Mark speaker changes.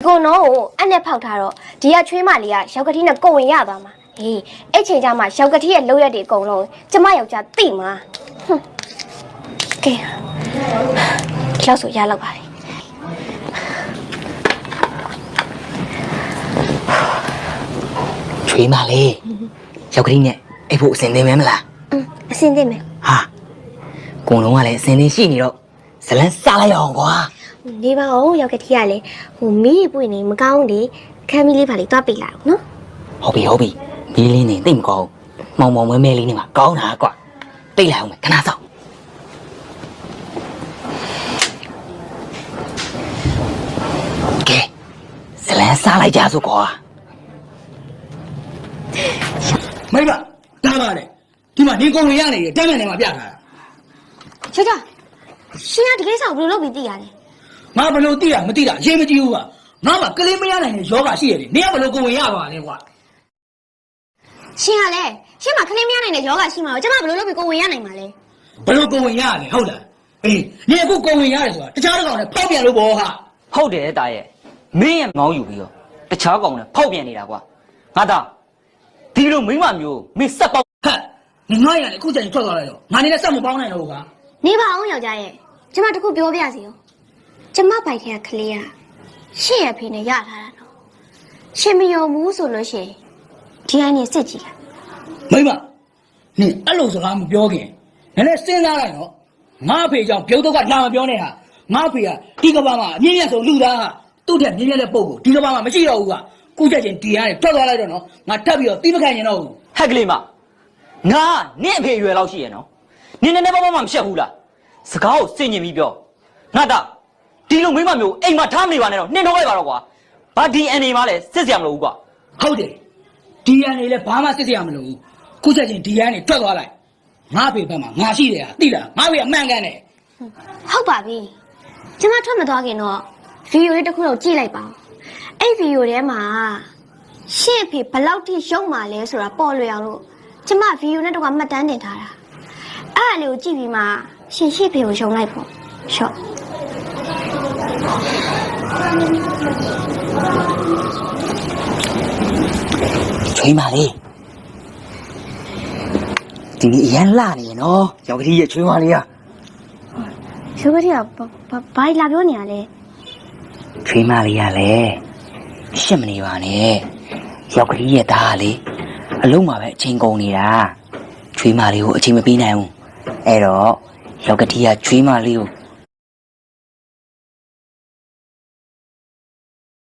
Speaker 1: ကိုနော်ကိုအဲ့နဲ့ဖောက်ထားတော့ဒီကချွေးမလေးကရောက်ကတိနဲ့ကိုဝင်ရသွားမှာဟေးအဲ့ချိန်ကျမှရောက်ကတိရဲ့လောက်ရက်တွေအကုန်လုံးကျမယောက်ျားသိမှာကဲလောက်ဆိုရလောက်ပါလေ
Speaker 2: ချွေးမလေးရောက်ကတိနဲ့အဲ့ဖို့အစင်သင်မဲမလား
Speaker 1: အစင်သင်မယ်
Speaker 2: ဟာကုံလုံးကလည်းအစင်သင်ရှိနေတော့ဇလန်းစားလိုက်အောင်ကွာ
Speaker 1: နေပါဦးရောက်ကတိကလည်းဟိုမီးပွင့်နေမကောင်းလေခမ်းမီးလေးပါလေးတွားပေးလိုက်နော်
Speaker 2: ဟုတ်ပြီမီးလေးနေသိမကောင်းမောင်မဲမဲလေးနေမှာကောင်းတာကွာတိတ်လိုက်အောင်မယ်ခဏစောင့်ကဲဇလန်းစားလိုက်ကြစို့ကွာ
Speaker 3: မိမတားပါလေဒီမှာနေကုန်ရနေတယ်တက်မဲ့နေမှာပြထားတာ
Speaker 1: ချေချာရှင်ကဒီကိစ္စကိုဘယ်လိုလုပ်ပြီးသိရလဲ
Speaker 3: ငါဘယ်လိုသိတာမသိတာရေးမကြည့်ဘူးကငါမှကလေးမရနိုင်တဲ့ယောဂရှိရတယ်နေကဘယ်လိုကုန်ရပါလဲကွာ
Speaker 1: ရှင်ကလည်းရှင်မှာကလေးမရနိုင်တဲ့ယောဂရှိမှာတော့ကျမဘယ်လိုလုပ်ပြီးကိုဝင်ရနိုင်မှာလဲ
Speaker 3: ဘယ်လိုကုန်ရလဲဟုတ်လားအေးနေအခုကုန်ရတယ်ဆိုတာတခြားတစ်ကောင်နဲ့ဖောက်ပြန်လို့ပေါ့ဟာ
Speaker 2: ဟုတ်တယ်တာရဲ့မင်းရဲ့မောင်းယူပြီးတော့တခြားကောင်နဲ့ဖောက်ပြန်နေတာကွာငါသားဒီလိုမိမမျိုးမင်းစက်ပေါက်
Speaker 3: ဟဲ့နေငါရလေအခုချိန်ထွက်သွားလိုက်တော့ငါနေနဲ့စက်မပေါင်းနိုင်တော့ဘူး
Speaker 1: ကနေပါအောင်ယောက်ျားရဲ့ကျမတခုပြောပြစီရောကျမပိုက်ထဲကကလေးကရှင့်ရဲ့ဖေနဲ့ရထားတာတော့ရှင်မယုံဘူးဆိုလို့ရှိရင်ဒီအိုင်းနဲ့စစ်ကြည့်
Speaker 3: လိုက်မိမနေအဲ့လိုစကားမပြောခင်နည်းနည်းစဉ်းစားလိုက်တော့ငါအဖေကြောင့်ပြုတ်တော့ကလာမပြောနဲ့ဟာငါအဖေကဒီကဘာမှာအမြင့်မြတ်ဆုံးလူသားဟာသူ့ထက်မြင့်မြတ်တဲ့ပုံကိုဒီကဘာမှာမရှိတော့ဘူးကကုချက်ချင်းဒီကနေထွက်သွားလိုက်တော့နော်ငါထပ်ပြီးတော့တီးမခံရင်တော့ဘူး
Speaker 2: ဟက်ကလေးမငါနင့်အဖေရွယ်လောက်ရှိရနော်နင်းနေဘာမှမရှက်ဘူးလားစကားကိုစင်ញင်ပြီးပြောငါသားဒီလိုမိမမျိုးအိမ်မှာထားမနေပါနဲ့တော့နှင်ထုတ်လိုက်ပါတော့ကွာဘာဒီအန်နေမှလည်းစစ်စရာမလိုဘူးကွာ
Speaker 3: ဟုတ်တယ်ဒီအန်နေလည်းဘာမှစစ်စရာမလိုဘူးကုချက်ချင်းဒီကနေထွက်သွားလိုက်ငါအဖေဘက်မှာငါရှိတယ်ဟာသိလားငါအဖေအမှန်ကန်တယ်
Speaker 1: ဟုတ်ပါပြီကျမထွက်မသွားခင်တော့ဗီဒီယိုလေးတစ်ခုတော့ကြည့်လိုက်ပါအဲ့ဗီဒီယိုထဲမှာရှင့်အဖေဘယ်လောက်ထိရုံမာလဲဆိုတာပေါ်လွယ်အောင်လို့ကျမဗီဒီယိုနဲ့တော့မှတ်တမ်းတင်ထားတာအဲ့အလေးကိုကြည့်ပြီးမှရှင်ရှင့်ဖေကိုယုံလိုက်ပေါ့ရှော့
Speaker 2: ချွေးမလေးဒီနေ့အရန်လာနေရနော်ရောက်ကတိရဲ့ချွေးမလေးက
Speaker 1: ရောက်ကတိကဘာလာပြောနေရလဲ
Speaker 2: ချွေးမလေးကလည်းရှစ်မနေပါနဲ့ရောက်ကတိရဲ့သားကလေအလုံးမှာပဲအချိန်ကုန်နေတာချွေးမလေးကိုအချိန်မပေးနိုင်ဘူးအဲ့တော့ရောက်ကတိကချွေးမလေးကို